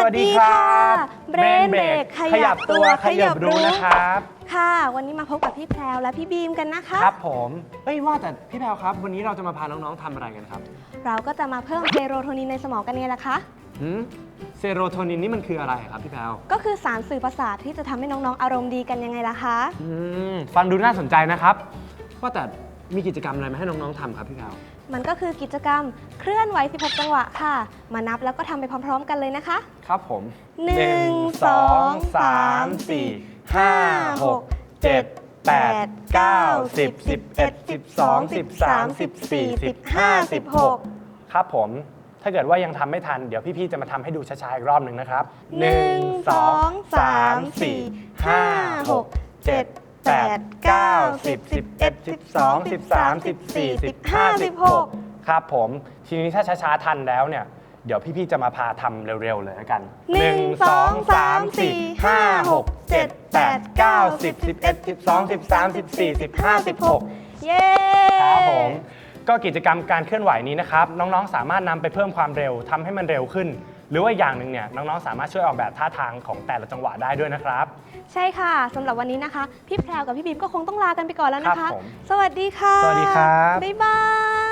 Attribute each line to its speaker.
Speaker 1: วัสดีครับ
Speaker 2: เบรนเบรกขยับตัวขยับรู้
Speaker 1: นะครับ
Speaker 2: ค่ะวันนี้มาพบกับพี่แพรวและพี่บีมกันนะคะ
Speaker 1: ครับผมว่าแต่พี่แพรวครับวันนี้เราจะมาพาน้องๆทำอะไรกันครับ
Speaker 2: เราก็จะมาเพิ่มเซโรโทนินในสมองกันไงล่ะคะ
Speaker 1: เซโรโทนินนี่มันคืออะไรครับพี่แพรว
Speaker 2: ก็คือสารสื่อประสาทที่จะทำให้น้องๆอารมณ์ดีกันยังไงล่ะคะ
Speaker 1: ฟังดูน่าสนใจนะครับว่าแต่มีกิจกรรมอะไรมาให้น้องๆทำครับพี่แพรว
Speaker 2: มันก็คือกิจกรรมเคลื่อนไหว16จังหวะค่ะมานับแล้วก็ทำไปพร้อมๆกันเลยนะคะ
Speaker 1: ครับผม
Speaker 2: 1 2 3 4 5 6 7 8 9 10 11 12 13 14 15 16
Speaker 1: ครับผมถ้าเกิดว่ายังทำไม่ทันเดี๋ยวพี่ๆจะมาทำให้ดูช้าๆอีกรอบหนึ่งนะครับ
Speaker 2: 1 2 3 4 5 6 7 8 9 10 11 12 13 14 15 16
Speaker 1: ครับผมทีนี้ถ้าช้าๆทันแล้วเนี่ยเดี๋ยวพี่ๆจะมาพาทำเร็วๆเลยแล้วกัน
Speaker 2: 1 2 3 4 5 6 7 8 9 10 11 12 13 14 15 16เย้
Speaker 1: ครับผมก็กิจกรรมการเคลื่อนไหวนี้นะครับน้องๆสามารถนำไปเพิ่มความเร็วทำให้มันเร็วขึ้นหรือว่าอย่างหนึ่งเนี่ยน้องๆสามารถช่วยออกแบบท่าทางของแต่ละจังหวะได้ด้วยนะครับ
Speaker 2: ใช่ค่ะสำหรับวันนี้นะคะพี่แพรวกับพี่บีมก็คงต้องลากันไปก่อนแล้วนะคะ
Speaker 1: ครับผม
Speaker 2: สวัสดีค่ะ
Speaker 1: สวัสดีครับ
Speaker 2: บ๊ายบาย